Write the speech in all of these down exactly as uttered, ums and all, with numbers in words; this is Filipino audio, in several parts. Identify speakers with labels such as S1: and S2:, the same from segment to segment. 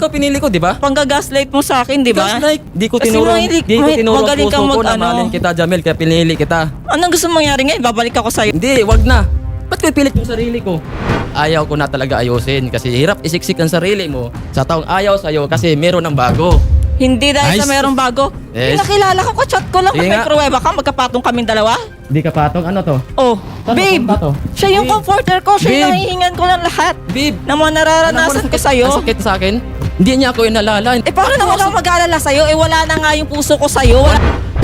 S1: ikaw pinili ko, di ba?
S2: Panggagaslight mo sa akin, di ba?
S1: Gaslight. Di ko
S2: Kasi
S1: tinuro,
S2: mahilig-
S1: di ko
S2: mahi-
S1: tinuro ang
S2: magaling
S1: puso
S2: kang
S1: ko
S2: mag-
S1: na
S2: ano.
S1: mahalin kita, Jamel, kaya pinili kita.
S2: Anong gusto mong mangyari ngayon? Babalik ako sa'yo.
S1: Hindi, wag na. Ba't ko ipilit yung sarili ko? Ayaw ko na talaga ayusin kasi hirap isiksik ang sarili mo sa taong ayaw sa'yo kasi meron ng bago.
S2: Hindi dahil sa
S1: Nice.
S2: merong bago.
S1: Yes.
S2: Pinakilala ko, ka-chat ko lang.
S1: Sige
S2: May
S1: nga.
S2: pruweba ka, magkapatong kaming dalawa.
S1: Di ka patong, ano to?
S2: Oh,
S1: Tama,
S2: babe,
S1: tama to.
S2: siya yung
S1: Babe.
S2: comforter ko. Siya yung
S1: Babe.
S2: nahihingan ko ng lahat.
S1: Babe,
S2: Na mga nararanasan ko sa'yo.
S1: Ang sakit sa akin. Hindi niya ako inalala.
S2: Eh, paano naman ako mag-aalala sa'yo? Eh, wala na nga yung puso ko sa'yo. Wala.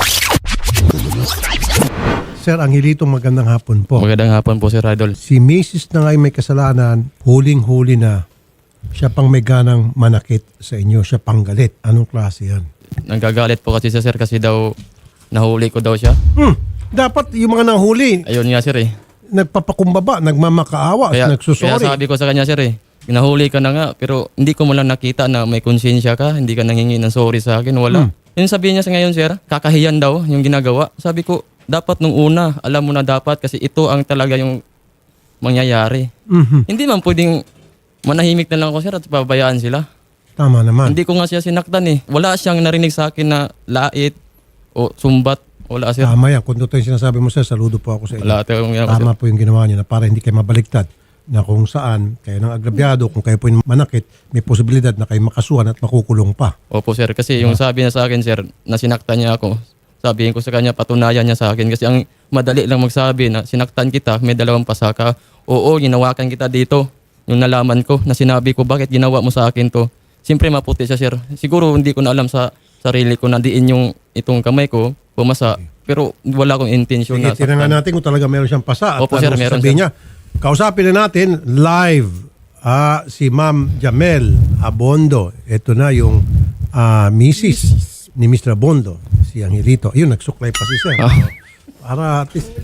S3: Sir Angelito, magandang hapon po.
S1: Magandang hapon po, Sir Idol.
S3: Si Missus na ngayon may kasalanan, huling-huli na. Siya pang may ganang manakit sa inyo. Siya pang galit. Anong klase yan?
S1: Nanggagalit po kasi siya, Sir, kasi daw nahuli ko daw siya.
S3: Hmm, dapat yung mga nahuli,
S1: Ayun nga, Sir, eh.
S3: nagpapakumbaba, nagmamakaawa,
S1: Kaya, kaya
S3: nagsusori.
S1: sabi ko sa kanya, Sir, eh. Nahuli ka na nga, pero hindi ko mo lang nakita na may konsensya ka, hindi ka nanghingi ng sorry sa akin, wala. Yung sabi niya sa ngayon, Sir, kakahiyan daw yung ginagawa. Sabi ko, dapat nung una, alam mo na dapat kasi ito ang talaga yung mangyayari.
S3: Mhm,
S1: Hindi man pwedeng manahimik na lang ako, Sir, at pabayaan sila.
S3: tama naman.
S1: Hindi ko nga siya sinaktan eh. Wala siyang narinig sa akin na lait o sumbat. Wala, Sir.
S3: Tama yan. Kung totoo yung sinasabi mo, sir, saludo po ako sa inyo.
S1: Wala tayong ginagawa, Sir.
S3: Tama po yung ginawa niyo na para hindi kayo mabaliktad na kung saan kayo nang agrabyado, kung kayo po yung manakit, may posibilidad na kayo makasuhan at makukulong pa.
S1: Opo, Sir. Kasi yung sabi niya sa akin, Sir, na sinaktan niya ako. Sabihin ko sa kanya, patunayan niya sa akin. Kasi ang madali lang magsabi na sinaktan kita, may dalawang pasaka. Oo, ginawakan kita dito. Yung nalaman ko, na sinabi ko, bakit ginawa mo sa akin to? Siyempre maputi siya, Sir. Siguro hindi ko na alam sa sarili ko na diin yung itong kamay ko, pumasa. Pero wala akong intensyon
S3: Sige,
S1: na
S3: tinangan
S1: saktan.
S3: natin kung talaga meron siyang pasa at
S1: Opo, sir,
S3: ano
S1: meron,
S3: sasabihin
S1: sir.
S3: niya. Kausapin na natin live ah, si Ma'am Jamel Abondo. Ito na yung ah, Missus ni Mister Abondo, si Angelito. Ayun, nagsuklay pa si Sir.
S1: Ah.
S3: Para at least,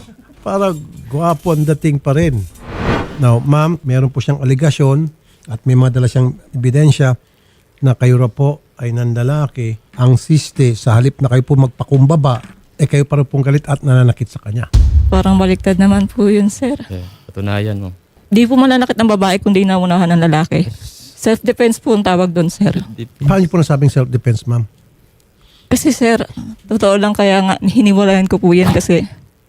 S3: para gwapo ang dating pa rin. Now, ma'am, meron po siyang aligasyon at may mga dala siyang ebidensya na kayo ra po ay nandalaki. Ang siste, sa halip na kayo po magpakumbaba, eh kayo para pong galit at nananakit sa kanya.
S2: Parang baliktad naman po yun, sir.
S1: Eh, patunayan mo.
S2: Di po mananakit ng babae kundi naunahan ng lalaki. Self-defense po ang tawag doon, sir.
S1: Di-
S3: Paano niyo po nasabing self-defense, ma'am?
S2: Kasi, sir, totoo lang kaya nga hiniwalayan ko po yan kasi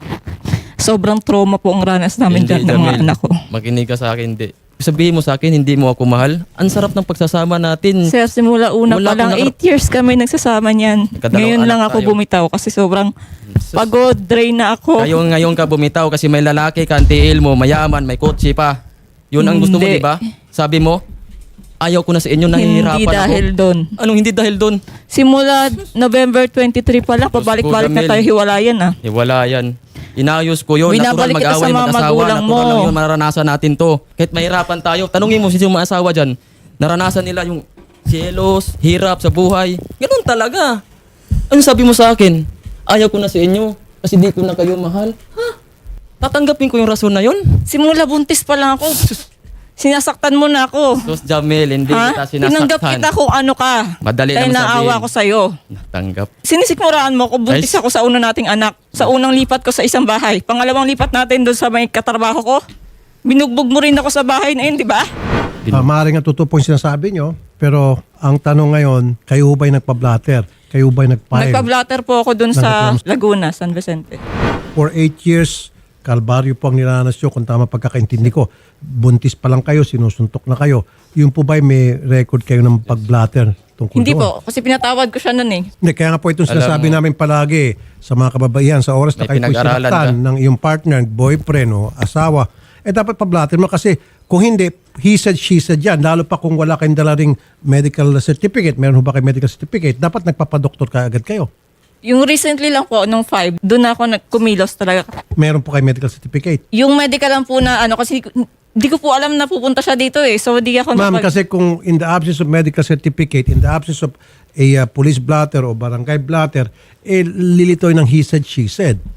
S2: sobrang trauma po ang ranas namin dyan ng mga
S1: Jamil.
S2: anak ko.
S1: Makinig ka sa akin, hindi. Sabihin mo sa akin, hindi mo ako mahal. Ang sarap ng pagsasama natin.
S2: Sir, simula una
S1: Wala
S2: pa lang,
S1: akong nakara-
S2: eight years kami nagsasama niyan.
S1: Kadalawang
S2: Ngayon lang
S1: anak
S2: ako
S1: tayo.
S2: bumitaw kasi sobrang pagod, drain na ako.
S1: Kayo ngayon ka bumitaw kasi may lalaki ka, ang tiil mo, mayaman, may kotse pa. Yun ang gusto mo,
S2: Hindi.
S1: di ba? Sabi mo, ayaw ko na sa inyo, nahihirapan
S2: Hindi dahil
S1: ako.
S2: doon.
S1: Anong hindi dahil doon?
S2: Simula November twenty-three pa lang, pabalik-balik na
S1: Jamil.
S2: tayo hiwalayan ah.
S1: Eh, wala yan. Inayos ko yun. Natural
S2: Binabalik kita
S1: mag-away,
S2: sa mga
S1: mag-asawa.
S2: magulang
S1: Natural
S2: mo.
S1: lang yun, mararanasan natin to. Kahit mahirapan tayo, tanungin mo sino mga asawa dyan. Naranasan nila yung sielos, hirap sa buhay. Ganun talaga. Ano sabi mo sa akin? Ayaw ko na sa inyo kasi di ko na kayo mahal. Ha? Tatanggapin ko yung rason na yun?
S2: Simula buntis pa lang ako. Sinasaktan mo na ako.
S1: Sos Jamel, hindi
S2: Ha?
S1: kita
S2: Tinanggap
S1: sinasaktan.
S2: kita kung ano ka.
S1: Madali
S2: Dahil
S1: lang
S2: naawa
S1: sabihin.
S2: ko sa'yo.
S1: Natanggap.
S2: Sinisikmuraan mo ako, buntis
S1: Guys.
S2: ako sa una nating anak. Sa unang lipat ko sa isang bahay. Pangalawang lipat natin doon sa may katrabaho ko. Binugbog mo rin ako sa bahay na yun, di ba?
S1: Bin-
S3: Uh, maaaring ang totoo po yung sinasabi nyo, pero ang tanong ngayon, kayo ba'y nagpa-blatter? Kayo ba'y nag-file?
S2: Nagpa-blatter po ako doon sa
S3: Nagreklamo-
S2: Laguna, San Vicente.
S3: For eight years, kalbaryo po ang nilalanas nyo kung tama pagkakaintindi ko. Buntis pa lang kayo, sinusuntok na kayo. Yung po ba'y may record kayo ng pag-blatter tungkol
S2: Hindi
S3: doon?
S2: po, kasi pinatawad ko siya noon eh.
S3: Hindi, kaya nga po itong
S1: Alam
S3: sinasabi
S1: mo.
S3: namin palagi sa mga kababaihan sa oras na
S1: May
S3: kayo po
S1: pinag-aralan
S3: sinaktan ng iyong partner, boyfriend o asawa, eh dapat pa-blatter mo kasi kung hindi, he said, she said yan. Lalo pa kung wala kayong dala ring medical certificate, meron ho ba kayo medical certificate, dapat nagpapadoktor ka agad kayo.
S2: Yung recently lang po, nung five, doon ako nagkumilos talaga.
S3: Meron po kayo medical certificate.
S2: Yung medical lang po na ano, kasi hindi ko po alam na pupunta siya dito eh. So di ako
S3: Ma'am,
S2: napag-
S3: kasi kung in the absence of medical certificate, in the absence of a uh, police blatter o barangay blatter, eh lilitoy ng he said, she said.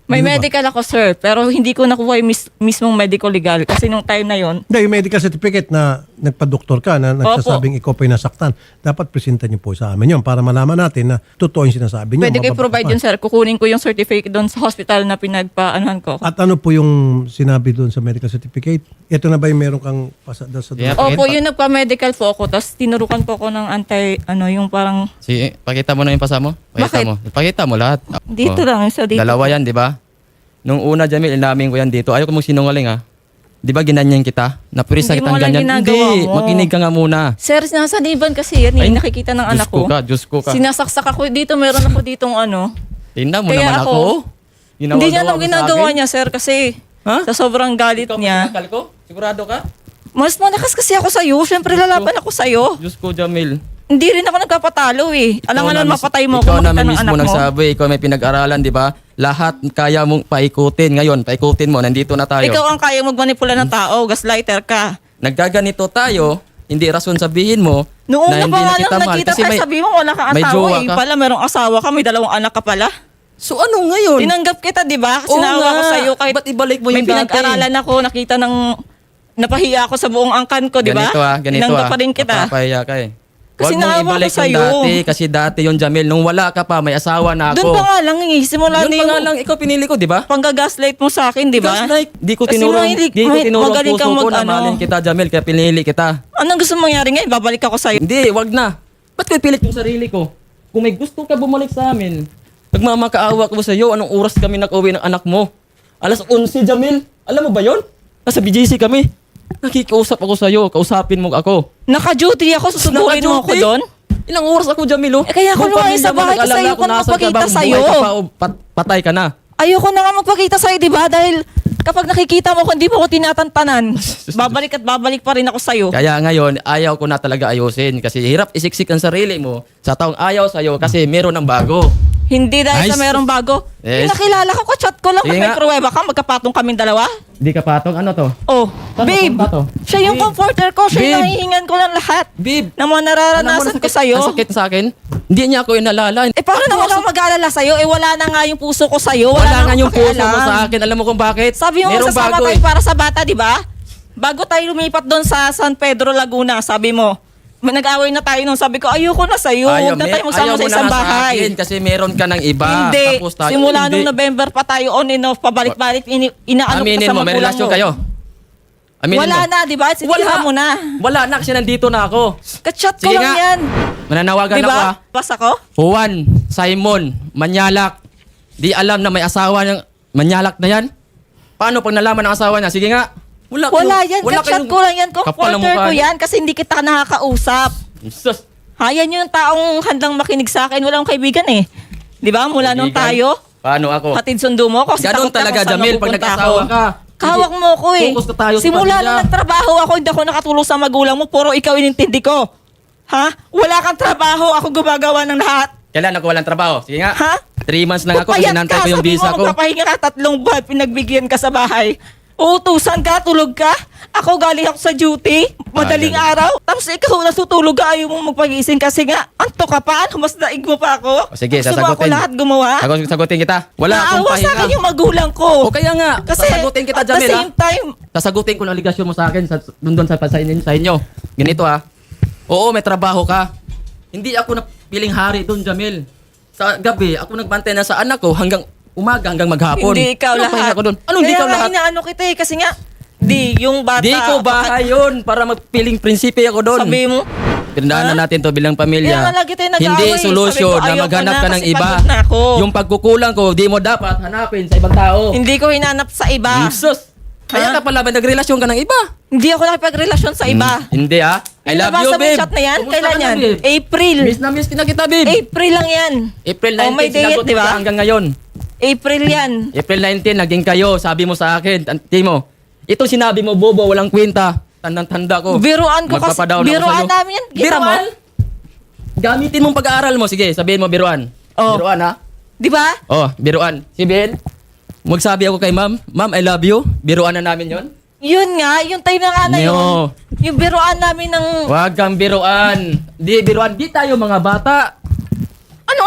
S2: May
S3: Di ba?
S2: medical ako, sir, pero hindi ko nakuha yung mis- mismong medical legal kasi nung time na yon.
S3: Hindi, yung medical certificate na nagpa-doktor ka na nagsasabing ikaw pa yung nasaktan, dapat presenta niyo po sa amin yun para malaman natin na totoo yung sinasabi niyo.
S2: Pwede ko
S3: mababa-
S2: i-provide yun, sir. Kukunin ko yung certificate doon sa hospital na pinagpaanuhan ko.
S3: At ano po yung sinabi doon sa medical certificate? Ito na ba yung meron kang pasa sa
S1: Yeah.
S2: Opo,
S1: Pakita-
S2: yun nagpa-medical po ako, tapos tinurukan po ako ng anti, ano, yung parang,
S1: Si, pakita mo na yung pasa mo. Pakita
S2: Bakit?
S1: mo. Pakita mo lahat.
S2: dito
S1: Oh.
S2: lang, sa dito.
S1: Dalawa yan, di ba? Nung una, Jamil, inamin ko yan dito. Ayaw ko mong sinungaling, ha? Di ba ginanyan kita? Napurisa
S2: Hindi
S1: kitang
S2: mo lang
S1: ganyan.
S2: ginagawa
S1: Hindi,
S2: mo.
S1: makinig ka nga muna.
S2: Sir, sinasaniban kasi yan, eh.
S1: Ay,
S2: nakikita ng
S1: Diyos
S2: anak
S1: ko
S2: ko.
S1: ka, Diyos ko ka.
S2: Sinasaksak ako dito, meron ako ditong ano.
S1: Tingnan mo
S2: Kaya
S1: naman ako.
S2: ako,
S1: Ginawa-gawa
S2: Hindi niya alam
S1: mo sa
S2: ginagawa
S1: akin.
S2: niya, sir, kasi
S1: Ha?
S2: sa sobrang galit
S1: Ikaw
S2: niya.
S1: pinakal ko? Sigurado ka?
S2: Mas malakas kasi ako sa'yo. Siyempre, lalaban ako sa'yo.
S1: Diyos ko, Jamil.
S2: Hindi rin ako nagpapatalo eh. Alam nga
S1: Ikaw na
S2: nun,
S1: mis-
S2: mapatay mo
S1: Ikaw
S2: kung
S1: na
S2: makita ng
S1: mismo
S2: anak mo.
S1: nagsabi, ikaw may pinag-aralan, di ba? Lahat kaya mong paikutin. Ngayon, paikutin mo, nandito na tayo.
S2: Ikaw ang kaya magmanipula ng tao, gaslighter ka.
S1: Nagkaganito tayo, hindi rason sabihin mo
S2: Noong
S1: na
S2: na
S1: hindi
S2: pa
S1: na
S2: nga
S1: kita
S2: lang
S1: mahal.
S2: nakita
S1: Kasi
S2: tayo,
S1: may,
S2: sabi mo wala kang
S1: may
S2: asawa
S1: jowa
S2: eh.
S1: ka.
S2: Pala merong asawa ka, may dalawang anak ka pala.
S1: So ano ngayon?
S2: Tinanggap kita, di ba? Kasi
S1: Oo
S2: naawa
S1: nga.
S2: ko sa'yo kahit
S1: Ba't ibalik mo
S2: may
S1: yung dati?
S2: pinag-aralan ako, nakita ng napahiya ako sa buong angkan ko, di ba?
S1: Ganito ah, ganito
S2: Tinanggap
S1: ah.
S2: pa rin kita.
S1: Napapahiya ka eh.
S2: Kasi
S1: Huwag mong
S2: naawa ko
S1: ibalik yung
S2: sa'yo.
S1: dati kasi dati yung Jamil. Nung wala ka pa, may asawa na ako.
S2: Doon pa nga lang eh. Simula
S1: Yun
S2: na
S1: pa nga
S2: yung
S1: lang, ikaw pinili ko, di ba?
S2: panggagaslight mo sa akin, di ba?
S1: Gaslight. Di ko
S2: Kasi
S1: tinuro,
S2: mahilig-
S1: di ko
S2: mahi-
S1: tinuro ang
S2: magaling
S1: puso
S2: kang
S1: ko
S2: mag-
S1: na
S2: ano.
S1: mahalin kita, Jamil, kaya pinili kita.
S2: Anong gusto mong mangyari ngayon? Babalik ako sa'yo.
S1: Hindi, wag na. Ba't ko ipilit yung sarili ko? Kung may gusto ka bumalik sa amin, nagmamakaawa ko sa iyo, anong oras kami nag-uwi ng anak mo? Alas eleven, Jamil. Alam mo ba yon? Nasa B J C kami. Nakikiusap ako sa iyo, kausapin mo ako.
S2: Naka-duty ako, susubukin mo ako
S1: Naka-duty?
S2: doon.
S1: Ilang oras ako, Jamil, oh.
S2: Eh, kaya ako
S1: Buong
S2: lumayas
S1: pamilya
S2: sa
S1: mo
S2: bahay kasi
S1: nag-alala
S2: ayoko
S1: kung
S2: na
S1: nasaan ka
S2: magpakita
S1: ba,
S2: sa'yo.
S1: buhay ka pa o pat- patay ka na.
S2: Ayoko na nga magpakita sa'yo, di ba? Dahil kapag nakikita mo kung hindi mo ko tinatantanan, babalik at babalik pa rin ako sa'yo.
S1: Kaya ngayon, ayaw ko na talaga ayusin kasi hirap isiksik ang sarili mo sa taong ayaw sa'yo kasi meron ng bago.
S2: Hindi dahil sa
S1: Nice.
S2: merong bago.
S1: Yes.
S2: Yung nakilala ko, chat ko lang.
S1: Sige
S2: May
S1: nga.
S2: pruweba ka, magkapatong kaming dalawa.
S1: Di ka patong, ano to?
S2: Oh,
S1: Paano
S2: babe,
S1: kung pato?
S2: siya yung
S1: Babe.
S2: comforter ko. Siya yung
S1: Babe.
S2: nahihingan ko lang lahat.
S1: Babe,
S2: Na mga
S1: alam mo,
S2: nararanasan ko
S1: nasakit-
S2: sa'yo.
S1: nasakit sa akin. Hindi niya ako inalala.
S2: Eh, paano naman ako mag-aalala sa'yo? Eh, wala na nga yung puso ko sa'yo.
S1: Wala
S2: Wala,
S1: nga
S2: na
S1: yung
S2: akong
S1: puso mo
S2: pakialam.
S1: sa akin. Alam mo kung bakit?
S2: Sabi mo,
S1: Merong
S2: sasama
S1: bago
S2: tayo
S1: eh.
S2: para sa bata, di ba? Bago tayo lumipat doon sa San Pedro, Laguna, sabi mo, may nag-away na tayo nung sabi ko, ayoko na sa'yo.
S1: Ayaw,
S2: Huwag na
S1: may-
S2: tayo magsama
S1: ayaw
S2: sa
S1: mo
S2: isang
S1: na nga sa
S2: bahay.
S1: akin kasi meron ka ng iba.
S2: Hindi.
S1: Tapos tayo,
S2: Simula
S1: hindi.
S2: nung November pa tayo on and off, pabalik-balik, ini inaano ko
S1: Aminin
S2: sa
S1: mo, may
S2: magulang
S1: relasyon
S2: mo.
S1: kayo. Aminin
S2: Wala
S1: mo.
S2: na, di ba? Sinira mo na.
S1: Wala na kasi nandito na ako.
S2: Kachat ko
S1: Sige
S2: lang
S1: nga.
S2: yan.
S1: Mananawagan
S2: Di
S1: ako
S2: ba?
S1: ah.
S2: Pas ako?
S1: Juan, Simon, Manyalak. Di alam na may asawa niyang Manyalak na yan. Paano pag nalaman ng asawa niya? Sige nga. Wala,
S2: Wala
S1: kayong-
S2: yan. Kachat
S1: kayong
S2: ko lang yan.
S1: kapal ng
S2: Comforter
S1: mukha
S2: ko
S1: niyo.
S2: yan kasi hindi kita nakakausap.
S1: Sus.
S2: Ha, yan yung taong handang makinig sa akin. Wala akong kaibigan eh. Di ba? Mula nung
S1: Kaibigan.
S2: tayo,
S1: Paano ako?
S2: hatid sundo mo ako. kasi
S1: Ganun
S2: takot ka
S1: talaga,
S2: kung saan
S1: Jamil, pag
S2: mapupunta
S1: nag-asawa
S2: ako.
S1: ka.
S2: Kahawak mo ako eh.
S1: Focus na tayo sa
S2: Simula
S1: pamilya.
S2: nung nagtrabaho ako, hindi ako nakatulong sa magulang mo. Puro ikaw inintindi ko. Ha? Wala kang trabaho. Ako gumagawa ng lahat.
S1: Kailan ako walang trabaho? Sige nga.
S2: Ha?
S1: Three months lang ako kasi
S2: Pupayat
S1: nantay
S2: ka,
S1: ko yung
S2: sabi
S1: visa
S2: mo,
S1: ko.
S2: magpapahinga ka tatlong buwan, pinagbigyan ka sa bahay. Uutusan ka, tulog ka. Ako galing ako sa duty, madaling
S1: Ah,
S2: araw. Tapos ikaw natutulog ka, ayaw mong magpagising kasi nga, anto ka pa, ano, mas daig mo pa ako.
S1: O sige,
S2: Gusto mo ako
S1: sasagutin.
S2: lahat gumawa.
S1: Sagot- Sagutin kita. Wala akong
S2: Naawa sa
S1: pahinga.
S2: akin yung magulang ko.
S1: O kaya nga,
S2: Kasi
S1: sasagutin kita,
S2: at the
S1: Jamil, ha?
S2: same time,
S1: Sasagutin ko ng aligasyon mo sa akin sa, dun, dun sa, sa, inyo, sa inyo. Ganito ha. Oo, may trabaho ka. Hindi ako napiling hari dun, Jamil. Sa gabi, ako nagbantay na sa anak ko hanggang umaga, hanggang maghapon.
S2: hindi ikaw
S1: Anong
S2: lahat.
S1: pahinga ko dun? Ano hindi
S2: Kaya
S1: ikaw
S2: nga
S1: lahat?
S2: inaano kita eh, kasi nga, di, yung bata.
S1: Di ko bahay yun para magpiling prinsipe ako doon.
S2: Sabi mo,
S1: Tindahan na natin to bilang pamilya.
S2: Kaya nga lagi tayo nag-aaway.
S1: Hindi
S2: Sabi
S1: solusyon
S2: ko,
S1: na
S2: ayoko
S1: maghanap
S2: na
S1: ka ng
S2: kasi
S1: iba.
S2: pagod na ako.
S1: Yung pagkukulang ko, di mo dapat hanapin sa ibang tao.
S2: hindi ko hinanap sa iba.
S1: Jesus! Kaya
S2: Ha?
S1: ka pala ba nagrelasyon ka ng iba?
S2: Hindi ako nakipagrelasyon sa iba.
S1: Hmm, hindi ah. I love
S2: Nabasa
S1: you,
S2: mo
S1: babe.
S2: yung chat na yan?
S1: Kumusta
S2: Kailan
S1: ka na,
S2: yan?
S1: babe?
S2: April.
S1: Miss na miss kita kita, babe.
S2: April lang yan.
S1: April
S2: Oh,
S1: nineteenth,
S2: may date,
S1: sinagot
S2: di ba?
S1: kita hanggang ngayon.
S2: April yan.
S1: April nineteenth, naging kayo. Sabi mo sa akin, tanti mo, ito sinabi mo, bobo, walang kwenta. Tandang-tanda ko.
S2: Biruan ko kasi.
S1: Magpapadown ako
S2: Biruan
S1: sa'yo.
S2: namin yan. Kita mo?
S1: Biruan? Gamitin mong pag-aaral mo. Sige, sabihin mo, biruan.
S2: Oh.
S1: Biruan, ha?
S2: Di ba?
S1: Oh, biruan. Si Ben, magsabi ako kay ma'am, ma'am, I love you. Biruan na namin yon.
S2: Yun nga, yung time na nga na yun.
S1: No.
S2: Yung biruan namin ng...
S1: Huwag kang biruan. Di biruan, di tayo mga bata.
S2: Ano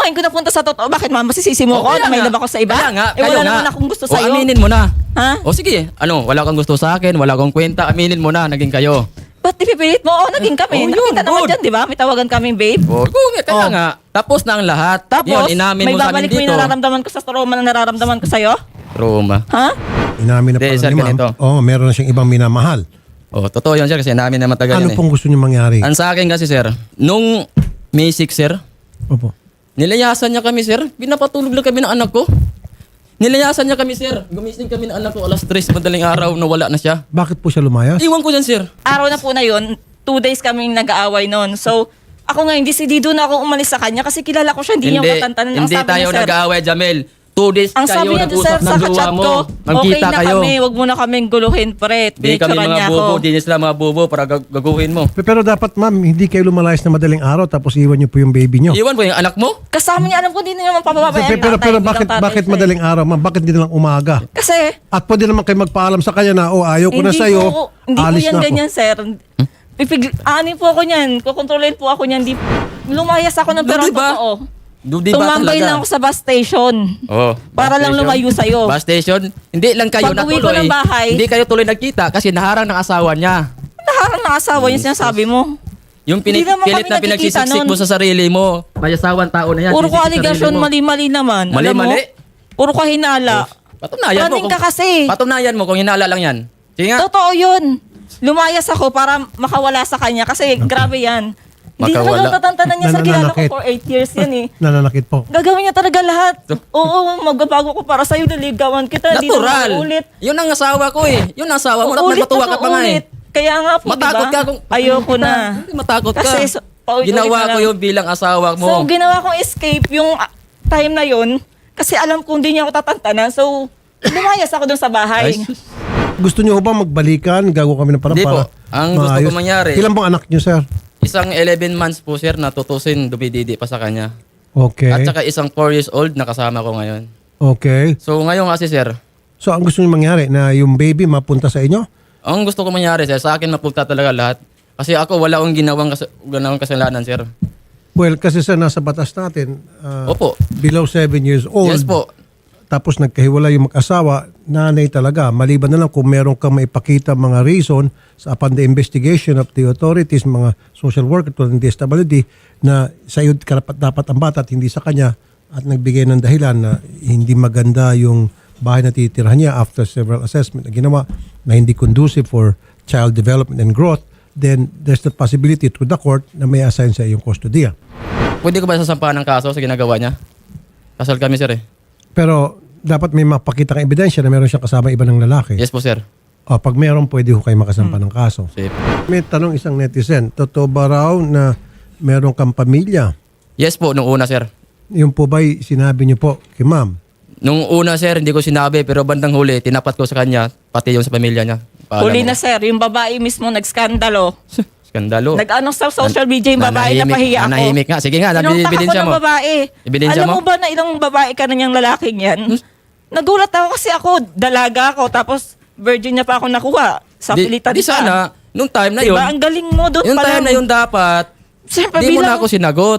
S2: ngayon ko napunta sa totoo, bakit mama, masisisi mo
S1: O,
S2: ako
S1: kaya
S2: na may
S1: nga.
S2: love ako sa iba?
S1: Kaya nga,
S2: eh,
S1: kayo
S2: wala
S1: nga.
S2: naman akong gusto
S1: O,
S2: sa'yo.
S1: aminin mo na.
S2: Ha?
S1: O sige, ano, wala kang gusto sa akin, wala kang kwenta, aminin mo na, naging kayo.
S2: Ba't ipipilit mo? Oo, naging kami.
S1: Oh, yun,
S2: Nakita naman
S1: good.
S2: dyan, di ba? May tawagan kaming babe.
S1: O, kung, kaya
S2: Oh.
S1: nga, tapos na ang lahat.
S2: Tapos,
S1: Yun, inamin
S2: may
S1: mo sa amin
S2: babalik mo
S1: dito.
S2: yung nararamdaman ko sa trauma na nararamdaman ko sa'yo?
S1: Trauma.
S2: Ha?
S3: Inamin na
S1: Hindi,
S3: pala
S1: sir,
S3: ni ma'am.
S1: ganito.
S3: Oo, meron na siyang ibang minamahal.
S1: O, totoo yun, sir, kasi namin naman tagal
S3: Ano
S1: yan eh.
S3: pong gusto niyo mangyari?
S1: Ang sa akin kasi, sir, nung May six, sir,
S3: Opo.
S1: nilayasan niya kami, sir. Pinapatulog lang kami ng anak ko. Nilayasan niya kami, sir. Gumising kami ng anak ko alas tres, madaling araw, na wala na siya.
S3: Bakit po siya lumayas?
S1: Iwan ko dyan, sir.
S2: Araw na po na yun, two days kaming nag-aaway noon. So, ako ngayon, decidido na ako umalis sa kanya kasi kilala ko siya, hindi, niya ako tatantanan. Ang
S1: hindi
S2: sabi
S1: tayo
S2: niya, sir,
S1: nag-aaway, Jamel. Two days
S2: ang sabi
S1: kayo
S2: niya, sir,
S1: nag-usap
S2: sa
S1: ng jowa
S2: kachat
S1: mo.
S2: ko, okay
S1: Magkita
S2: na
S1: kayo.
S2: kami, wag mo na kaming guluhin, pre.
S1: Hindi kami
S2: Pinicturean
S1: mga
S2: niya
S1: bobo,
S2: ako.
S1: di sila mga bobo para gag- gaguhin mo.
S3: Pe- Pero dapat ma'am, hindi kayo lumalayas na madaling araw tapos iwan niyo po yung baby niyo.
S1: Iwan ko yung anak mo.
S2: Kasama niya, alam ko, hindi na naman papababayan.
S3: Pe- Pero, pero bakit bakit madaling araw ma'am? Bakit hindi na lang umaga?
S2: Kasi,
S3: At pwede naman kayo magpaalam sa kanya na, oh, ayaw ko na
S2: hindi
S3: sa'yo,
S2: po, hindi po
S3: alis
S2: yan
S3: na ako.
S2: ganyan, sir. Pipig, anin po ako niyan, kukontrolin po ako niyan. Di, lumayas ako ng
S1: Do,
S2: pero
S1: diba?
S2: totoo.
S1: Do, di ba
S2: Tumambay
S1: talaga?
S2: lang ako sa bus station.
S1: Oh,
S2: Para
S1: bus
S2: lang
S1: station.
S2: lumayo sa'yo.
S1: Bus station, hindi lang kayo
S2: Pag-uwi ko
S1: natuloy.
S2: ng bahay-
S1: Hindi kayo tuloy nagkita kasi naharang ng asawa niya.
S2: Naharang na asawa yung sinasabi mo.
S1: Yung
S2: Hindi
S1: pinik,
S2: naman
S1: pilit
S2: kami
S1: na
S2: nagkikita
S1: pinagsisiksik
S2: nun.
S1: mo sa sarili mo. May asawang tao na yan.
S2: Puro ko
S1: sisik sa
S2: aligasyon,
S1: sarili mo.
S2: mali-mali naman. Alam mo?
S1: Mali-mali?
S2: Puro ka hinala.
S1: Patunayan mo.
S2: Running ka kasi.
S1: Patunayan mo kung hinala lang yan. Sige nga.
S2: Totoo yun. Lumayas ako para makawala sa kanya kasi grabe yan. Hindi
S1: Makawala.
S2: talaga tatantanan niya sa kilala ko
S3: Nananakit.
S2: for eight years yan eh.
S3: Nananakit po.
S2: Gagawin niya talaga lahat. Oo, magbabago ko para sa'yo, naligawan kita. Hindi
S1: Natural.
S2: na ulit.
S1: Yun ang asawa ko eh. Yun ang asawa mo. Dapat
S2: Ulit
S1: matuwa ka
S2: na
S1: pa nga eh.
S2: ulit. Kaya nga po,
S1: Matakot
S2: diba?
S1: ka kung...
S2: Ayoko na.
S1: Hindi matakot ka.
S2: Kasi so- paulit-ulit
S1: Ginawa
S2: na
S1: ko
S2: lang.
S1: yun bilang asawa mo.
S2: So, ginawa kong escape yung ah, time na yun kasi alam kong hindi niya ako tatantanan. So, lumayas ako dun sa bahay.
S1: Ay, sus.
S3: Gusto niyo ba magbalikan? Gago kami ng parang
S1: Hindi po.
S3: para
S1: Ang gusto
S3: maayos.
S1: ko mangyari-
S3: Ilan pong anak niyo, sir?
S1: Isang eleven months po sir na tutusin, dumididi pa sa kanya.
S3: Okay.
S1: At saka isang four years old na kasama ko ngayon.
S3: Okay.
S1: So ngayon kasi sir,
S3: So, ang gusto niyo mangyari na yung baby mapunta sa inyo?
S1: ang gusto ko mangyari sir, sa akin mapunta talaga lahat. Kasi ako wala akong ginawang, kas- ginawang kasalanan sir.
S3: Well, kasi sa nasa batas natin, uh,
S1: Opo.
S3: below seven years old,
S1: Yes po.
S3: tapos nagkahiwala yung mag-asawa, nanay talaga. Maliban na lang kung meron kang maipakita mga reason sa upon the investigation of the authorities, mga social worker tulad ng D S W D, na sa iyo karapat dapat ang bata at hindi sa kanya at nagbigay ng dahilan na hindi maganda yung bahay na titirahan niya after several assessment na ginawa na hindi conducive for child development and growth, then there's the possibility through the court na may assign sa iyong kustodiya.
S1: Pwede ko ba sasampahan ng kaso sa ginagawa niya? Kasal kami sir eh.
S3: Pero dapat may mapakita kang ebidensya na meron siyang kasama iba ng lalaki.
S1: Yes po sir.
S3: O, pag meron, pwede ho kayo makasampa ng kaso.
S1: Safe.
S3: May tanong isang netizen, totoo ba raw na meron kang pamilya?
S1: Yes po, nung una sir.
S3: Yung po ba'y sinabi niyo po kay ma'am?
S1: Nung una sir, hindi ko sinabi pero bandang huli, tinapat ko sa kanya, pati yung sa pamilya niya. Paalam
S2: Huli
S1: ko.
S2: na sir, yung babae mismo nagskandalo.
S1: Skandalo.
S2: Nag-ano sa social media yung babae na
S1: Nanahimik-
S2: pahiya ako.
S1: nanahimik nga. Sige nga,
S2: Pinuntahan ko
S1: ebidensya
S2: ng
S1: mo.
S2: babae.
S1: Ebidensya
S2: Alam
S1: mo?
S2: mo ba na ilang babae ka na niyang lalaking yan? Nagulat ako kasi ako, dalaga ako, tapos virgin niya pa ako nakuha. Sa
S1: Di,
S2: pilitan
S1: di
S2: pa.
S1: sana, nung time na yun,
S2: Diba? Ang galing mo doon
S1: yung
S2: pa
S1: time
S2: lang.
S1: na yun dapat,
S2: Siyempre,
S1: di mo
S2: bilang-
S1: na ako sinagot.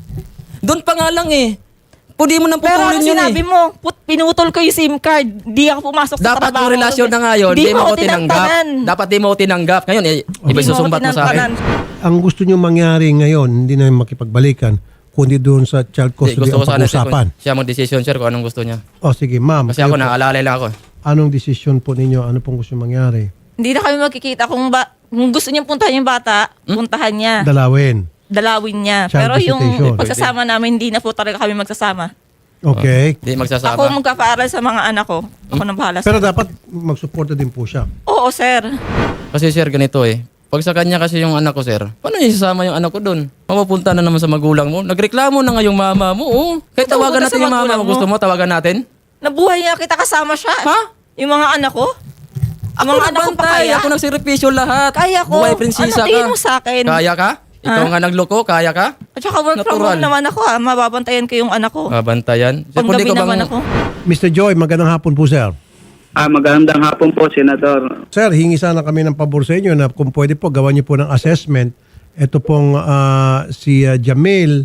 S1: Doon pa nga lang eh. Pwede mo nang
S2: Pero ano
S1: putulin yun
S2: sinabi
S1: eh.
S2: mo, put, pinutol ko yung SIM card, di ako pumasok sa
S1: Dapat
S2: trabaho.
S1: yung relasyon na ngayon, di mo
S2: ako
S1: ko tinanggap.
S2: tinangtanan.
S1: Dapat di mo ko tinanggap. Ngayon, eh,
S2: Di
S1: iba
S2: mo ako
S1: susumbat mo sa akin.
S2: tinangkanan.
S3: Ang gusto niyo mangyari ngayon, hindi na makipagbalikan, kundi doon sa child
S1: Di,
S3: custody
S1: gusto ko
S3: ang
S1: sana sir,
S3: pag-usapan.
S1: kung siya mag-decision sir kung anong gusto niya.
S3: O sige, ma'am.
S1: Kasi ako
S3: kayo po,
S1: naalala lang ako.
S3: anong desisyon po ninyo? Ano pong gusto mangyari?
S2: Hindi na kami magkikita. Kung, ba, kung gusto niyang puntahan yung bata,
S1: Hmm?
S2: puntahan niya.
S3: Dalawin.
S2: Dalawin niya.
S3: Child
S2: Pero yung
S3: visitation.
S2: pagsasama namin, hindi na po talaga kami magsasama.
S3: Okay.
S1: Di magsasama.
S2: Ako magpapaaral sa mga anak ko. Ako nang bahala sa...
S3: Pero dapat magsuporta din po siya.
S2: Oo, sir.
S1: Kasi sir, ganito eh. Pag sa kanya kasi yung anak ko sir, paano niya isasama yung anak ko doon? Mapupunta na naman sa magulang mo. Nagreklamo na nga yung mama mo. Oh. Kahit
S2: Ito,
S1: tawagan
S2: huwag ka
S1: natin
S2: sa
S1: yung mama
S2: magulang
S1: mo.
S2: mo.
S1: Gusto mo tawagan natin?
S2: Nabuhay niya kita kasama siya.
S1: Ha?
S2: Yung mga anak ko.
S1: Ako
S2: Ang mga anak ko pa
S1: nagbantay.
S2: kaya?
S1: Ako nagsiripisyo lahat.
S2: Kaya ko.
S1: Buhay prinsesa
S2: Ano tingin
S1: ka.
S2: mo sa akin?
S1: Kaya ka? Ikaw
S2: Ha?
S1: nga nagloko, kaya ka?
S2: At saka work from
S1: Natural.
S2: home naman ako ha. Mababantayan ko yung anak ko.
S1: Mabantayan. Sir,
S2: Panggabi
S1: pwede ko
S2: naman
S1: bang-
S2: ako.
S3: mister Joy, magandang hapon po, sir.
S4: Ah, magandang hapon po, Senador.
S3: Sir, hingi sana kami ng pabor sa inyo na kung pwede po, gawan niyo po ng assessment. Ito pong ah, si ah, Jamil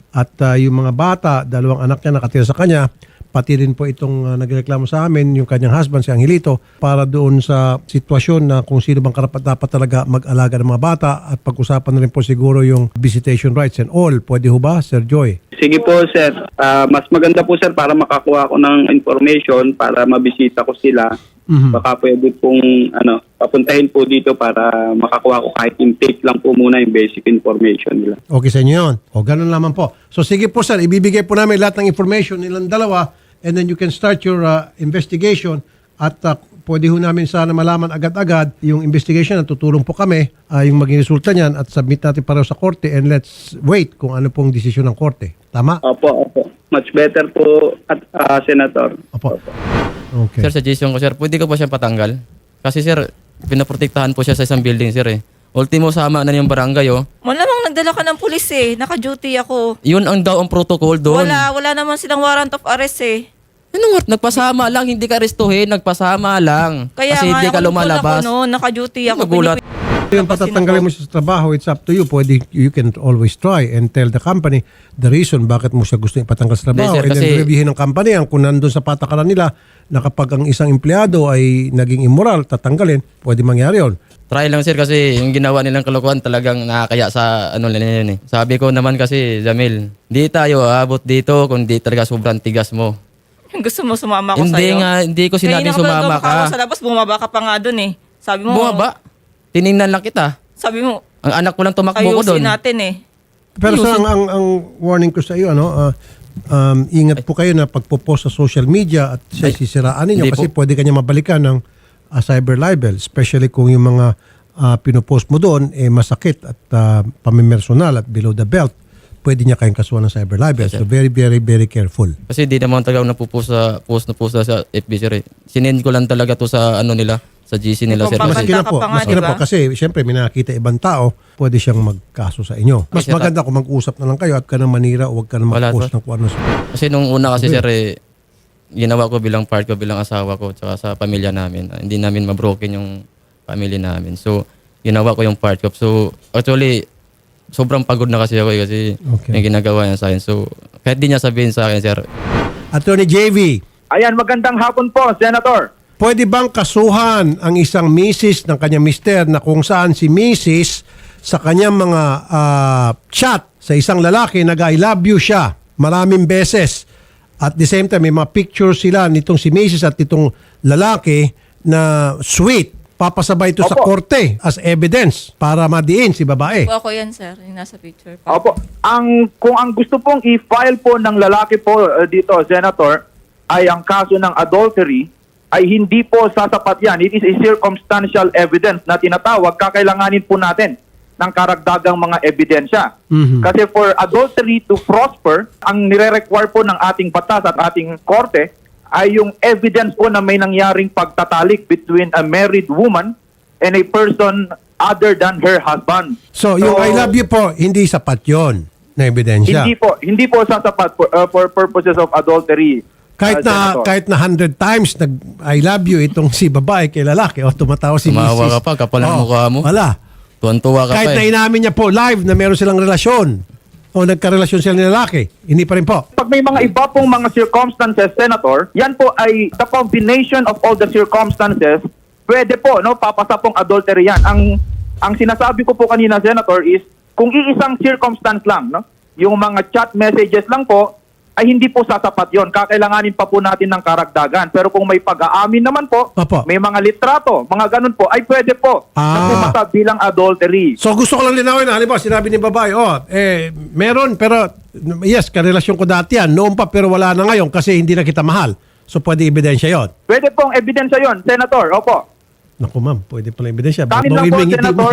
S3: At uh, yung mga bata, dalawang anak niya nakatira sa kanya, pati rin po itong uh, nagreklamo sa amin, yung kanyang husband, si Angelito, para doon sa sitwasyon na kung sino bang karapat dapat talaga mag-alaga ng mga bata at pag-usapan na rin po siguro yung visitation rights and all. Pwede ho ba, Sir Joy?
S4: Sige po, sir. Ah, mas maganda po, sir, para makakuha ko ng information para mabisita ko sila.
S3: Mhm.
S4: Baka pwede pong ano, papuntahin po dito para makakuha ko kahit intake lang po muna yung basic information nila.
S3: Okay sa inyo yun. O, ganun lamang po. So, sige po, sir. Ibibigay po namin lahat ng information nilang dalawa and then you can start your uh, investigation at uh, pwede ho namin sana malaman agad-agad yung investigation at tutulong po kami uh, yung maging resulta niyan at submit natin pareho sa korte and let's wait kung ano pong desisyon ng korte. Tama?
S4: Opo, opo. Much better po, at ah, Senator.
S3: Opo. Okay.
S1: Sir, suggestion ko, sir, pwede ko po siya patanggal? Kasi, sir, pinaprotektahan po siya sa isang building, sir, eh. Ultimo, sama na yung barangay, oh.
S2: Malamang nagdala ka ng pulis eh. Naka-duty ako.
S1: Yun ang daw ang protocol doon.
S2: Wala, wala naman silang warrant of arrest eh.
S1: Ano nga, nagpasama lang, hindi ka arestuhin, nagpasama lang.
S2: Kaya
S1: Kasi
S2: nga,
S1: hindi ka
S2: nakulong
S1: lumalabas.
S2: Ako noon, naka-duty ako.
S1: Magulat.
S3: Yung patatanggalin mo siya sa trabaho, it's up to you. Pwede, you can always try and tell the company the reason bakit mo siya gusto ipatanggal sa trabaho.
S1: Hindi, sir,
S3: and then
S1: kasi-
S3: reviewin ng company ang kung nandun sa patakaran nila na kapag ang isang empleyado ay naging immoral, tatanggalin, pwede mangyari yun.
S1: Try lang, sir, kasi yung ginawa nilang kalokohan talagang nakakaya sa ano nila yun, eh. Sabi ko naman kasi, Jamil, di tayo aabot dito kung di talaga sobrang tigas mo.
S2: Gusto mo sumama ko
S1: Hindi
S2: sa'yo?
S1: nga, hindi ko sinabing sumama ka.
S2: Sa labas, bumaba ka pa nga dun eh. Sabi mo,
S1: Bumaba. Tiningnan lang kita.
S2: sabi mo,
S1: Ang anak ko lang tumakbo ko doon.
S2: ayusin natin eh.
S3: Pero sa ang, ang, ang warning ko sa iyo, ano, ah, um, ingat po kayo na pagpo-post sa social media at siya
S1: Ay,
S3: sisiraan ninyo
S1: hindi
S3: kasi
S1: po.
S3: pwede kanya mabalikan ng ah, cyber libel, especially kung yung mga ah, pinopost mo doon eh masakit at uh, pamimersonal at below the belt, pwede niya kayong kasuhan ng cyber libel.
S1: Yes, sir.
S3: So very, very, very careful.
S1: Kasi di naman talaga ako napupost sa post na post sa F B, sir, eh. Sinend ko lang talaga to sa ano nila, sa G C nila, sir.
S2: Kung
S1: Kasi,
S3: Maski na
S2: ka
S3: po,
S2: pa nga,
S3: maski na
S2: diba?
S3: po kasi siyempre may nakakita ibang tao, pwede siyang magkaso sa inyo. Mas
S1: Kasi-
S3: maganda kung mag-usap na lang kayo at ka nang manira o huwag ka na
S1: Wala,
S3: mag-post
S1: sir.
S3: ng kung ano.
S1: kasi nung una kasi,
S3: Okay.
S1: sir, eh, ginawa ko bilang part ko, bilang asawa ko, tsaka sa pamilya namin. Ah, hindi namin mabroken yung pamilya namin. So, ginawa ko yung part ko. So, actually, sobrang pagod na kasi ako, eh, kasi
S3: Okay.
S1: may ginagawa niya sa akin. So, kahit di niya sabihin sa akin, sir,
S3: Attorney J V,
S5: Ayan, magandang hapon po, Senator.
S3: pwede bang kasuhan ang isang misis ng kanyang mister na kung saan si misis sa kanyang mga ah, chat sa isang lalaki nag-I love you siya maraming beses at the same time may mga pictures sila nitong si misis at itong lalaki na sweet, papasabay ito sa
S5: Opo.
S3: korte as evidence para madiin si babae.
S2: Po ako yan, sir. Yung nasa picture pa.
S5: Opo, ang, kung ang gusto pong i-file po ng lalaki po uh, dito, Senator, ay ang kaso ng adultery, ay hindi po sasapat yan. It is a circumstantial evidence na tinatawag, kakailanganin po natin ng karagdagang mga ebidensya.
S3: Mhm.
S5: Kasi for adultery to prosper, ang nire-require po ng ating batas at ating korte ay yung evidence po na may nangyaring pagtatalik between a married woman and a person other than her husband.
S3: So yung I love you po, hindi sapat yon na ebidensya.
S5: Hindi po, hindi po sasapat for, uh, for purposes of adultery.
S3: Kahit
S5: uh,
S3: na
S5: Senator.
S3: kahit na hundred times nag I love you itong si babae kay lalaki o tumatawa si
S1: Tumawa
S3: misis.
S1: ka pa, kapal ng
S3: Oo,
S1: mukha mo.
S3: Wala.
S1: tuwan-tuwa ka
S3: Kahit
S1: pa,
S3: na
S1: eh.
S3: inamin niya po live na meron silang relasyon o nagkarelasyon sila ni lalaki, hindi pa rin po.
S5: Pag may mga iba pong mga circumstances, Senator, yan po ay the combination of all the circumstances, pwede po, no, papasa pong adultery yan. Ang, ang sinasabi ko po kanina, Senator, is kung iisang circumstance lang, no, yung mga chat messages lang po, ay hindi po sasapat yon. Kakailanganin pa po natin ng karagdagan. Pero kung may pag-aamin naman po,
S3: Opo.
S5: may mga litrato, mga ganun po, ay pwede po
S3: Ah.
S5: na pumasa bilang adultery.
S3: So gusto ko lang linawin na, halimbawa sinabi ni babae, oh, eh, meron pero yes, karelasyon ko dati yan, noon pa pero wala na ngayon kasi hindi na kita mahal. So pwede ebidensya yon.
S5: Pwede pong ebidensya yon, Senator. Opo.
S3: Naku ma'am, pwede pala ebidensya.
S5: Kanin lang
S3: Bawin
S5: po,
S3: mo yung ngiti mo.
S5: Senator.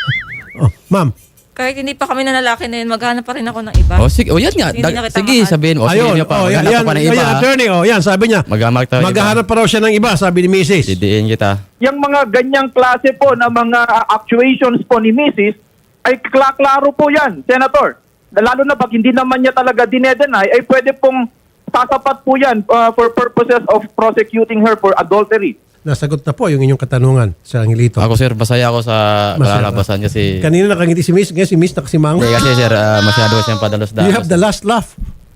S3: Oh, ma'am.
S2: Kahit hindi pa kami na lalaki na yun, maghanap pa rin ako ng iba.
S1: Oh, sige, oh, yan nga.
S2: Hindi
S1: Dag-
S2: na kita
S1: sige,
S2: mahal.
S1: sabihin. Oh,
S3: Ayun,
S1: sige niya pa.
S3: oh, yan,
S1: Maghanap
S3: yan,
S1: ka pa ng
S3: yan,
S1: iba. ha?
S3: attorney, oh, yan, sabi niya.
S1: Maghamak tayo iba.
S3: Maghahanap pa raw siya ng iba, sabi ni missus
S1: Didiin kita.
S5: Yung mga ganyang klase po na mga uh, actuations po ni missus ay kla- klaro po yan, Senator. Lalo na pag hindi naman niya talaga dinedenay, ay pwede pong sasapat po yan uh, for purposes of prosecuting her for adultery.
S3: nasagot na po yung inyong katanungan, Sir Angelito.
S1: Ako sir, masaya ako sa
S3: Masaya.
S1: kalalabasan kasi...
S3: Kanina nakangiti si Miss, ngayon si Miss nakasimango.
S1: Hindi kasi sir, ah, masyado siyang padalos-dalos.
S3: You have the last laugh.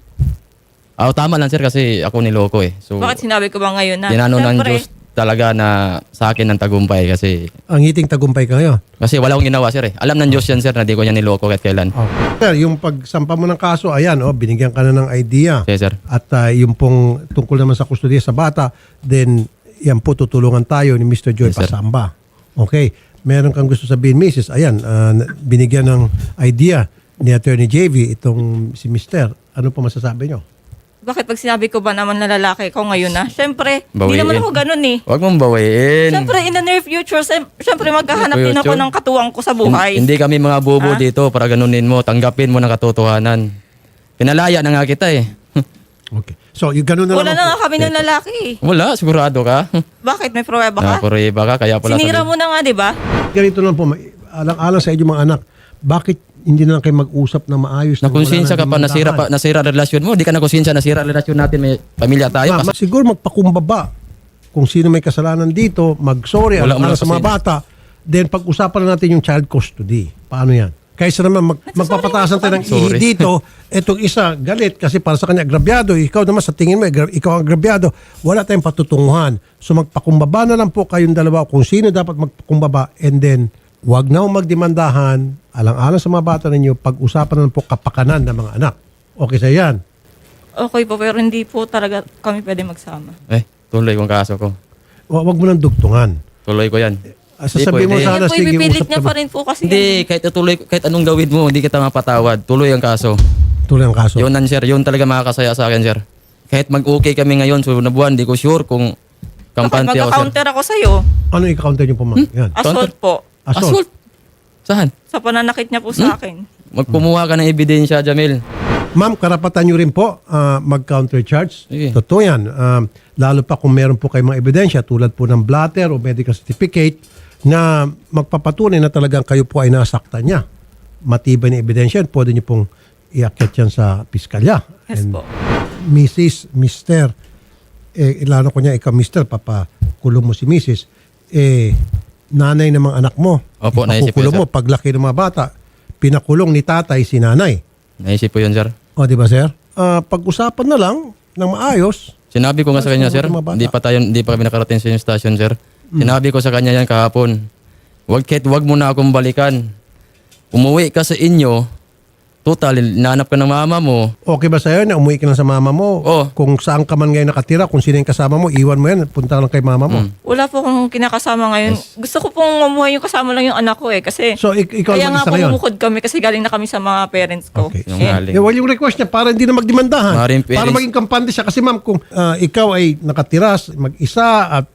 S1: Ah, tama lang sir kasi ako niloko eh. So,
S2: Bakit sinabi ko ba ngayon na?
S1: tinano ng
S2: Siyempre,
S1: Diyos talaga na sa akin ng tagumpay kasi
S3: Ang ngiting tagumpay ka ngayon.
S1: kasi wala akong ginawa sir eh. Alam ng Diyos yan sir na di ko niya niloko kahit kailan.
S3: Oh. Sir, yung pagsampa mo ng kaso, ayan, oh, binigyan ka na ng idea.
S1: Okay sir.
S3: At ah, yung pong tungkol naman sa kustodiya sa bata, then yan po tutulungan tayo ni Mister Joy
S1: Yes, sir.
S3: Pasamba. Okay. Meron kang gusto sabihin, Missus Ayan, ah, binigyan ng idea ni Attorney J V itong si Mister Ano po masasabi nyo?
S2: bakit pag sinabi ko ba naman na lalaki ko ngayon na? Siyempre, hindi
S1: Bawiin.
S2: naman ako ganun eh.
S1: Huwag mong bawiin.
S2: Siyempre, in the near future, sem- siyempre maghahanap din ako
S1: Future?
S2: ng katuwang ko sa buhay.
S1: Hin- Hindi kami mga bobo
S2: Ah?
S1: dito para ganunin mo. Tanggapin mo ng katotohanan. Pinalaya na nga kita eh.
S3: Okay. So, yung ganun na
S2: Wala
S3: lang
S2: na
S3: po.
S2: nga kami ng lalaki eh.
S1: Wala, sigurado ka.
S2: Bakit? May pruweba ka?
S1: Nakapuriba ka, kaya pala
S2: Sinira
S1: sabi-
S2: mo na nga, di ba?
S3: Ganito lang po, ma- alang-alang sa inyong mga anak, bakit hindi na lang kayo mag-usap na maayos?
S1: Nakonsensya ka pa,
S3: Wala nang
S1: nasira pa,
S3: dimandahan?
S1: nasira ang relasyon mo. Di ka nakonsensya, nasira ang relasyon natin. May pamilya tayo.
S3: Ma- ma- siguro magpakumbaba kung sino may kasalanan dito, mag-sorry
S1: Wala
S3: alang
S1: mo
S3: sa mga
S1: kasi.
S3: bata, then pag-usapan na natin yung child custody. Paano yan? Kaysa naman mag, magpapatasan tayo ng ihi
S1: Sorry.
S3: dito, etong isa galit kasi para sa kanya agrabyado, ikaw naman sa tingin mo, agra- ikaw ang agrabyado, wala tayong patutunguhan. So magpakumbaba na lang po kayong dalawa kung sino dapat magpakumbaba and then wag na ho magdemandahan, alang-alang sa mga bata ninyo, pag-usapan na lang po kapakanan ng mga anak. Okay sa yan.
S2: Okay po, pero hindi po talaga kami pwede magsama.
S1: Eh, tuloy kong kaso ko.
S3: Wa- Wag mo nang dugtungan.
S1: Tuloy ko yan.
S3: Ah, sasabihin mo
S1: pwede.
S3: sana,
S2: Yan po,
S3: sige,
S2: ipipilit
S3: usap
S2: niya
S3: kami.
S2: pa rin po kasi.
S1: Hindi, kahit ituloy, kahit anong gawin mo, hindi kita mapatawad. Tuloy ang kaso.
S3: Tuloy ang kaso.
S1: Yun nan sir, yun talaga makakasaya sa akin sir. Kahit mag-okay kami ngayon, sunod na buwan, di ko sure kung
S2: Bakit
S1: kampante ako sir.
S2: magka-counter ako sa'yo?
S3: Ano i-counter niyo po, ma'am? Yan.
S2: Assault po.
S3: Assault.
S1: Assault? Saan?
S2: Sa pananakit niya po sa akin.
S1: Magkumuha ka ng ebidensya, Jamil.
S3: Ma'am, karapatan nyo rin po ah, mag-counter charge.
S1: Sige.
S3: Totoo yan. Um, lalo pa kung meron po kayong mga ebidensya tulad po ng blatter o medical certificate na magpapatunay na talagang kayo po ay nasaktan niya. Matibay na ebidensya, pwede nyo pong iakyat yan sa piskalya.
S2: Yes
S3: And
S2: po.
S3: Missus, Mister, eh, ilano ko niya, ikaw Mister, papakulong mo si Missus, eh, nanay ng mga anak mo.
S1: Opo, naisip ko
S3: Ipakukulong
S1: yun,
S3: mo, paglaki ng mga bata, pinakulong ni tatay si nanay.
S1: Naisip ko yun, sir.
S3: O, di ba, sir? Ah, pag-usapan na lang ng maayos.
S1: Sinabi ko nga sa kanya, sir,
S3: Mga bata.
S1: hindi pa tayo, hindi pa kami nakarating sa yung station, sir.
S3: Hmm.
S1: Sinabi ko sa kanya yan kahapon. Wag kahit wag mo na akong balikan. Umuwi ka sa inyo, total, nanap ka ng mama mo.
S3: Okay ba sa'yo na umuwi ka lang sa mama mo?
S1: Oo.
S3: Kung saan ka man ngayon nakatira, kung sino yung kasama mo, iwan mo yan, punta lang kay mama mo.
S1: Mm.
S2: Wala po akong kinakasama ngayon. Gusto ko pong mamuhay yung kasama lang yung anak ko eh. Kasi
S3: So, ik- ikaw
S2: kaya
S3: ang
S2: nga
S3: mag-isa ngayon?
S2: pumukod kami kasi galing na kami sa mga parents ko.
S3: Okay.
S1: Yung
S2: Eh,
S1: galing.
S3: Eh, well, yung request niya, para hindi na magdemandahan.
S1: Maring
S3: Para
S1: parents-
S3: maging kampante siya. Kasi ma'am, kung ah, ikaw ay nakatiras, mag-isa at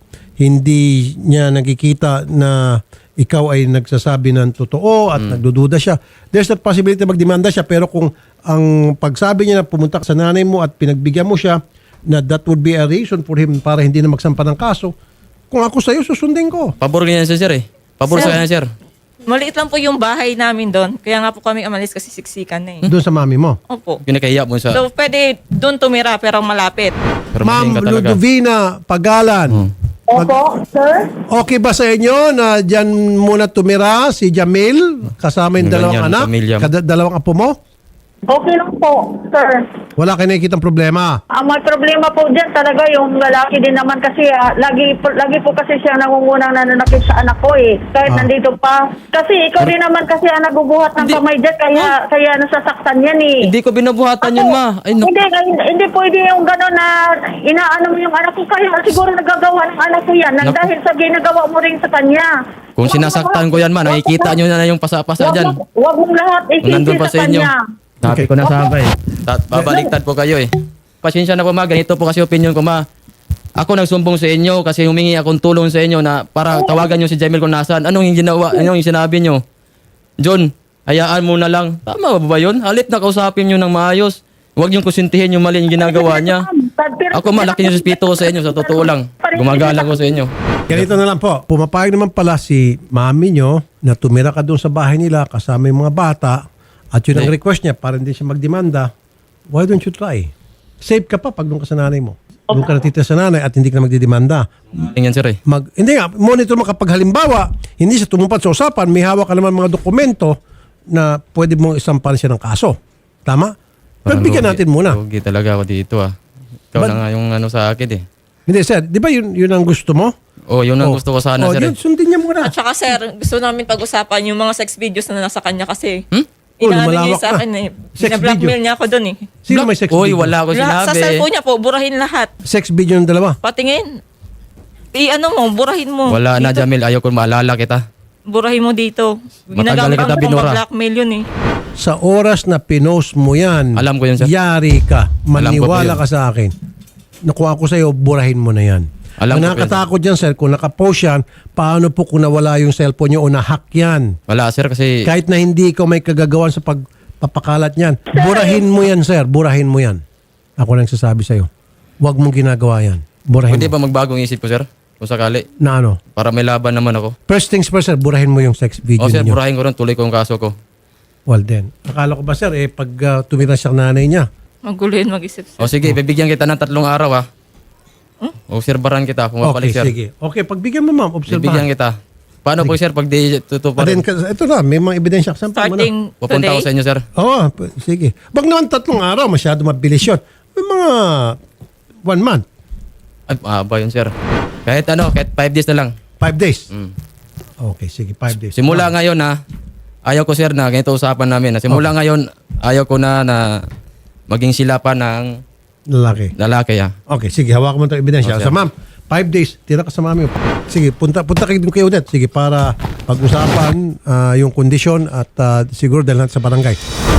S3: hindi niya nakikita na ikaw ay nagsasabi ng totoo at nagdududa siya, there's a possibility na magdemanda siya. Pero kung ang pagsabi niya na pumunta ka sa nanay mo at pinagbigyan mo siya, na that would be a reason for him para hindi na magsampa ng kaso, kung ako sa'yo, susundin ko.
S1: Pabor ganyan siya, sir eh. Pabor
S2: Sir.
S1: sa kanya, sir.
S2: Maliit lang po yung bahay namin doon. Kaya nga po kami umalis kasi siksikan na eh.
S3: Doon sa mami mo.
S2: Opo.
S1: Kinakahiya mo sa...
S2: So, pwede doon tumira pero malapit.
S1: Pero
S3: Ma'am
S1: magaling ka talaga.
S3: Ludovina Pagalan.
S1: Hmm.
S3: Mag-
S6: Opo, sir.
S3: Okay ba sa inyo na dyan muna tumira si Jamil kasama yung
S1: Ganyan,
S3: dalawang anak?
S1: pamilya mo.
S3: Kada, dalawang apo mo?
S6: Okay lang po, sir.
S3: Wala kayo nakikitang problema.
S6: Ang may problema po dyan talaga yung lalaki din naman kasi ah, lagi, po, lagi po kasi siya nangungunang nananakit sa anak ko eh. Kahit
S3: Ah.
S6: nandito pa. Kasi ikaw din naman kasi ang nagubuhat ng
S1: Hindi.
S6: kamay dyan kaya, kaya nasasaktan yan eh.
S1: Hindi ko binubuhatan yun, ma. Ay, no.
S6: Hindi, hindi, hindi pwede yung gano'n na inaano mo yung anak ko. Kaya siguro nagagawa ng anak ko yan nang
S1: Naku.
S6: dahil sa ginagawa mo rin sa kanya.
S1: Kung sinasaktan ko yan, ma, nakikita nyo na yung pasa-pasa
S6: Wag
S1: dyan.
S6: mo- Wag mong lahat
S1: Kung nandun
S6: isisi
S1: pa
S6: sa
S1: sa inyo.
S6: kanya.
S1: Sabi ko na sa abay. Tat- Babaliktad po kayo eh. Pasensya na po, ma. Ganito po kasi opinion ko, ma. Ako nagsumbong sa inyo kasi humingi akong tulong sa inyo na para tawagan nyo si Jamil kung nasaan. Anong yung ginawa? Anong yung sinabi nyo? John, hayaan mo na lang. Tama ba ba yun? Halit na kausapin nyo ng maayos. Huwag yung kusintihin yung mali yung ginagawa niya. Ako malaki yung respeto ko sa inyo, sa totoo lang. Gumagalang ko sa inyo.
S3: Ganito na lang po. Pumapayag naman pala si mami nyo na tumira ka doon sa bahay nila kasama yung mga bata at yun ang
S1: Eh.
S3: request niya para hindi siya magdemanda. Why don't you try? Safe ka pa pag doon ka sa nanay mo. doon ka natitira sa nanay at hindi ka na magdidemanda.
S1: Tingnan sir eh.
S3: Mag, hindi nga, monitor mo kapag halimbawa, hindi siya tumupad sa usapan, may hawak ka naman mga dokumento na pwede mong isampahan siya ng kaso. Tama? Pero
S1: Parang
S3: bigyan
S1: lugi-
S3: natin muna.
S1: Lugi talaga ako dito ah. Ikaw
S3: But-
S1: na nga yung ano sa akin eh.
S3: Hindi, sir. Di ba yun, yun ang gusto mo?
S1: Oh, yun ang
S3: Oh.
S1: gusto ko sana
S3: oh,
S1: sir.
S3: yun,
S1: eh.
S3: sundin niya muna.
S2: At saka sir, gusto namin pag-usapan yung mga sex videos na nasa kanya kasi.
S1: Hmm?
S3: Oh,
S2: Inaano niya
S3: lumalawak
S2: sa
S3: na.
S2: akin eh.
S3: Sex
S2: Bina-blackmail niya ako doon eh.
S3: Sino may sex
S1: Uy,
S3: video?
S1: wala ako
S2: Lahat, sa
S1: sinabi.
S2: cellphone niya po, burahin lahat.
S3: Sex video ng dalawa.
S2: Patingin. I-ano mo, burahin mo.
S1: Wala na
S2: Dito.
S1: Jamil, ayaw ko maalala kita.
S2: Burahin mo dito.
S1: Matagal
S2: Ginagamit
S1: kita
S2: ko
S1: binura.
S2: blackmail yun eh.
S3: Sa oras na pinost mo yan,
S1: Alam ko yun, sir.
S3: yari ka.
S1: Alam ko po
S3: Maniwala
S1: yun.
S3: ka sa akin. Nakuha ko sa'yo, burahin mo na yan.
S1: Alam
S3: Ang
S1: ko po
S3: nakakatakot dyan, sir, kung nakapost yan, paano po kung nawala yung cellphone niyo o nahack yan?
S1: Wala sir kasi
S3: Kahit na hindi ikaw may kagagawan sa pagpapakalat niyan, burahin mo yan, sir. Burahin mo yan. Ako nang sasabi sa'yo. Huwag mong ginagawa yan. Burahin
S1: hindi
S3: mo.
S1: pa magbagong isip ko sir. Kung sakali.
S3: Na ano?
S1: Para may laban naman ako.
S3: First things first, sir, burahin mo yung sex video
S1: O sir,
S3: niyo.
S1: burahin ko rin, tuloy ko yung kaso ko.
S3: Well then, akala ko ba, sir, eh, pag uh, tumira siya ng nanay niya,
S2: Magulo yun mag-isip sir.
S1: O sige, bibigyan kita ng tatlong araw ha. Obserbaran kita,
S3: okay,
S1: pumapalik sir.
S3: sige. Okay, pagbigyan mo, ma'am,
S1: Bibigyan
S3: obserbahan.
S1: kita. Paano po sir pag di
S3: Ah,
S1: tutuparin?
S3: then, ka- ito na, may mga ebidensya. Sampal mo na.
S2: Starting
S1: Pupunta
S2: today.
S1: ako sa inyo sir.
S3: Oo, p- sige. Wag naman tatlong araw, masyado mabilis yun. May mga one month,
S1: Ay, mahaba yun sir. Kahit ano, kahit five days na lang.
S3: five days.
S1: Mm.
S3: Okay, sige, five days.
S1: Simula ngayon na, ayaw ko sir na, ganito usapan namin na simula ngayon, ayaw ko na na maging sila pa ng
S3: Lalaki.
S1: lalaki ah.
S3: Okay, sige, hawakan mo itong ebidensya.
S1: Oh,
S3: So,
S1: sir.
S3: ma'am, five days, tira ka sa mami. Sige, punta punta kayo dun kay Odette. Sige, para pag-usapan ah, yung kondisyon at ah, siguro dahil natin sa barangay.